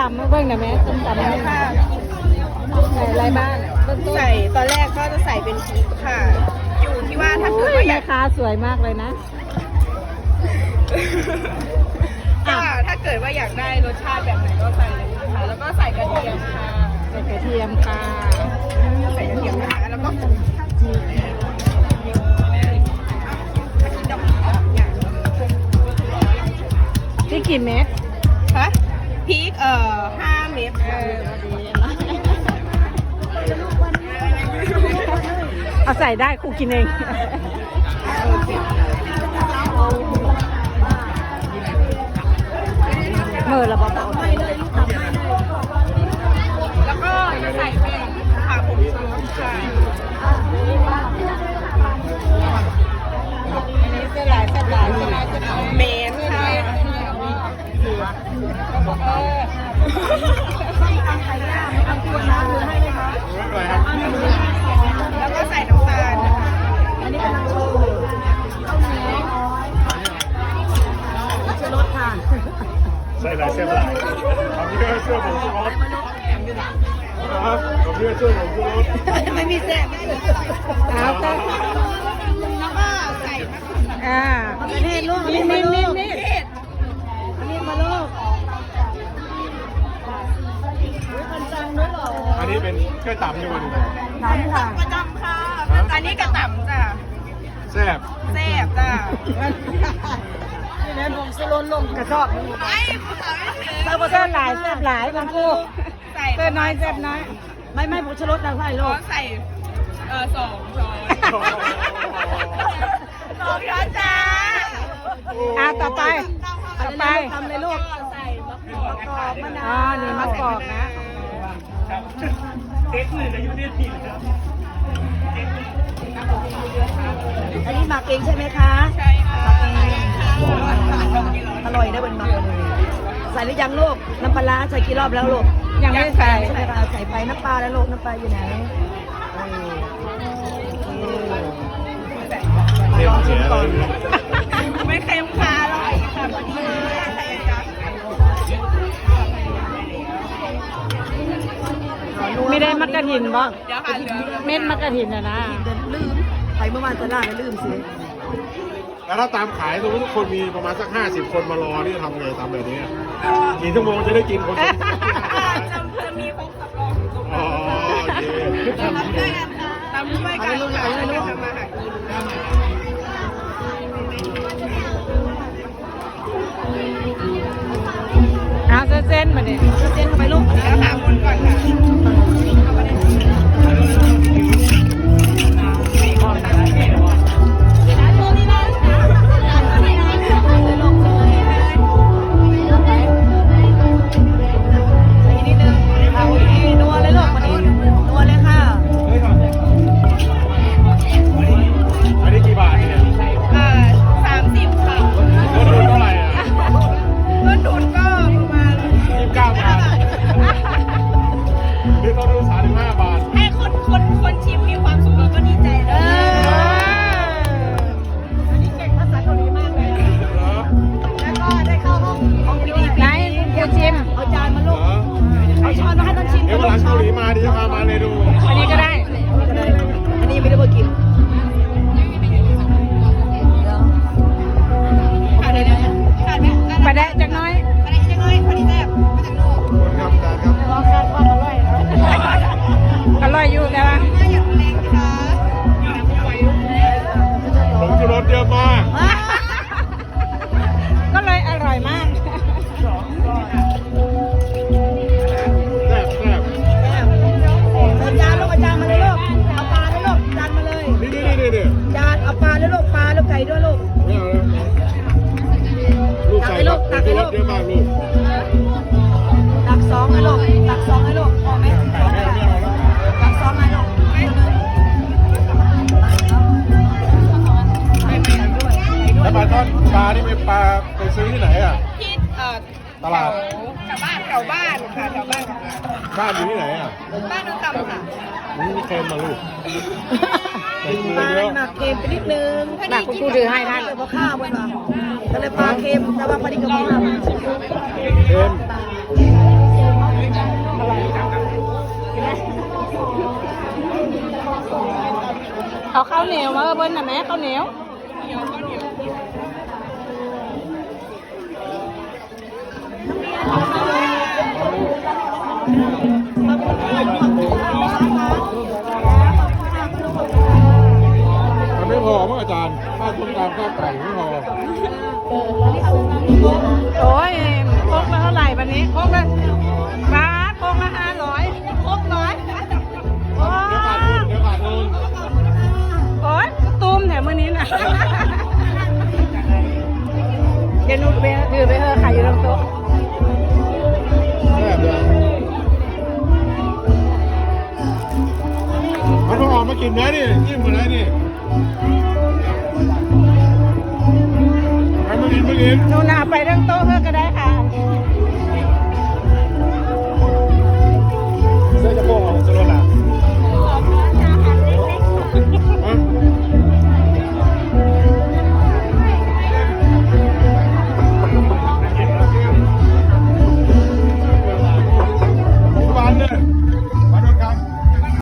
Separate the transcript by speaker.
Speaker 1: ำมาเบิ่งหน่อยไหมส้มตำนี่ค่ะใส่อะไรบ้าง
Speaker 2: ใส่ตอนแรกก็จะใส่เป็นพริกค่ะ อยู่ที่ว่าถ้าเกิดว่าอ
Speaker 1: แม่
Speaker 2: ยาก
Speaker 1: ค้าสวยมากเลยนะ
Speaker 2: ก็ถ้าเกิดว่าอยากได้รสชาติแบบไหนก็ใส่เลยค่ะแล้วก็ใส่กระเทียมค่ะ
Speaker 1: ใส่กระเทียมค่ะ
Speaker 2: ใส่กระเทียมนะคะแล้วก็
Speaker 1: ที่กี่เม็ด
Speaker 2: ฮะพริก5 เม็ดค่ะ
Speaker 1: เอาใส่ได้ครูกินเองเมื่อเราบอก
Speaker 2: แล้วก็จะใส่เป็นขาผงชูรสค่ะ
Speaker 1: อันนี้เส้นหลายใช่ไหม
Speaker 2: เมนค่ะแล้วก็ใส่น้ำตาลนะคะอันนี้กำลังโชว์ชูรสค่ะ
Speaker 3: ใส่หลายเส้นหลายทำเพื่อช่วยผมชูรสครับทำเพื่อช่วยผมชูรส
Speaker 2: ไม่มีแซ่บ
Speaker 1: เอาก็
Speaker 2: แล้วก็ใส่มะเขือ
Speaker 1: ประเทศลูกนี่
Speaker 2: เทศ
Speaker 1: นี่มาลูก
Speaker 3: อันนี้เป็นกระต่ำอยู่วันนี้
Speaker 1: น้ำค่ะ
Speaker 2: ประจำค่ะอันนี้กระต่ำจ้ะ
Speaker 3: แซ่บ
Speaker 2: แซ่บจ้ะ
Speaker 1: นี่นะผมสลนลงกระสอบ
Speaker 2: ไอ้ภาษาไม่ถึง
Speaker 1: เส้นหลายแซ่บหลายบางคู่
Speaker 2: ใส่
Speaker 1: เส้นน้อยแซ่บน้อยไม่ผมชลดนะใส่ลูก
Speaker 2: ใส่2 ช้อน2 ช้อนจ้า
Speaker 1: ต่อไปทำเลยลูก
Speaker 2: ใส่มะกอกมะนาว
Speaker 1: นี่มะกอกนะ
Speaker 4: อันนี้หมักเองใช่ไหมคะ
Speaker 2: ใช่ค่ะ
Speaker 4: อร่อยนะเป็นหมักเลยใส่หรือยังลูก น้ำปลาร้าใส่กี่รอบแล้วลูก
Speaker 1: ยังไม่ใส่
Speaker 4: ใช่ค่ะใส่ไปน้ำปลาแล้วลูก น้ำปลาอยู่ไหน
Speaker 3: เค็มเสียเลย
Speaker 2: ไม่เค็มค่ะอร่อยค่ะพอดีใส่จ้า
Speaker 1: ไม่ได้มักกะถินบ่
Speaker 2: เดี๋ยวค่ะเหลือ
Speaker 1: เม็ดมักกะถินนะ
Speaker 4: เดินลืมไปเมื่อวานตลาดแล้วลืมสิ
Speaker 3: แล้วถ้าตามขายสมมติทุกคนมีประมาณสัก50 คนมารอนี่ทำไงทำแบบนี้กี่ชั่วโมงจะได้กินคน
Speaker 2: จะมีพงสำรองอยู่ตรง
Speaker 3: อ๋อโอเค
Speaker 2: ตามด้วยกันค่ะตามด้วยกันค่ะทำมาหากิน
Speaker 1: เอาเส้นมาดิ
Speaker 4: เส้นเข้าไปลูก
Speaker 2: เดี๋ยวหาคนก่อนค่ะ
Speaker 4: เอาที่นัวเลยลูกวันนี้นัวเลยค่ะ
Speaker 3: อันนี้กี่บาทเนี่ย
Speaker 2: 30 ค่ะ
Speaker 3: ต้นทุนเท่าไหร่อ่ะ
Speaker 2: ต้นทุนก็ประมาณ
Speaker 3: 29 บาทหรือต้นทุน35 บาท
Speaker 2: ให้คนชิมมีความสุขแล้วก็ดีใจเลยอันนี้เก่งภาษาเกาหลีมากเลย
Speaker 3: เหรอ
Speaker 2: แล้วก็ได้เข้าห้องพิธี
Speaker 1: ไหนคุณชิม
Speaker 4: เอาจานมาลูก
Speaker 3: เหรอ
Speaker 4: เอาช้อนมาให้ท่านชิม
Speaker 3: เดี๋ยววันหลังเกาหลีมาดิจะพามาเลยดู
Speaker 1: อันนี้ก็ได้
Speaker 4: อันนี้ไม่ได้มากิน
Speaker 2: ขาดอะไรนะขาดไหม
Speaker 1: ไปได้จักน้อย
Speaker 2: อะไรจะน้อยพอดีแซ่บมาจากโลก
Speaker 3: ครับอาจารย์ครับ
Speaker 1: รอคาดว่าอร่อยอร่อยอยู่แต่ว่า
Speaker 2: มาอย่างแรงค่ะ
Speaker 3: ผมชูรสเยอะมาก
Speaker 1: ก็เลยอร่อยมาก
Speaker 3: แซ่บแซ่บ
Speaker 4: เอาจานลูกเอาจานมาเลยลูก เอาปลาเลยลูก จานมาเลย
Speaker 3: นี่
Speaker 4: จานเอาปลาเลยลูก ปลาแล้วไก่ด้วยลูก
Speaker 3: ไม่เอาแล้วลูกใส่ครับผมชูรสเยอะมากลูก
Speaker 4: ตักสองให้ลูก ตักสองให้ลูก พอไหมตักสองให้ลูก
Speaker 3: แล้วปลาทอดปลานี่เป็นปลาไปซื้อที่ไหนอ่ะ
Speaker 2: ที่
Speaker 3: ตลาด
Speaker 2: แถวบ้านค่ะแถวบ้าน
Speaker 3: บ้านอยู่ที่ไหนอ่ะ
Speaker 2: บ้านนนทำค่ะ
Speaker 3: นี่เค็มมาลูกใส่เกลื
Speaker 4: ป
Speaker 3: อ
Speaker 4: ลา
Speaker 3: เยอะ
Speaker 4: หมักเค็มไปนิดนึง
Speaker 1: หนักคุณครูถือให้ท่าน
Speaker 4: เลยพอข้าวมันมาก็เลยปลาเค็ม แต่ว่าพอดีกับข้าว
Speaker 3: เค็ม
Speaker 1: เอาข้าวเหนียวมาเบิ้ลนะแม่ข้าวเหนียว
Speaker 3: มันไม่พอมั้งอาจารย์ข้าวต้มยำข้าวไก่ไม่พอ
Speaker 1: โอ้ยโคกละเท่าไหร่วันนี้โคกละบาทโคกละ500โคก100โอ้
Speaker 3: เดี๋ยวขาดทุนเดี๋ยวขาดทุน
Speaker 1: โอ้ยตูมแถมมื้อนี้นะเดี๋ยวหนูไปถือไปเถอะขายอยู่ตรงโต๊ะ
Speaker 3: แซ่บเลยมันต้องออกมากินนะนี่จิ้มมาแล้วนี่ใครมากินมากิน
Speaker 1: หนูนาไปเรื่องโต๊ะเถอะก็ได้ค่ะ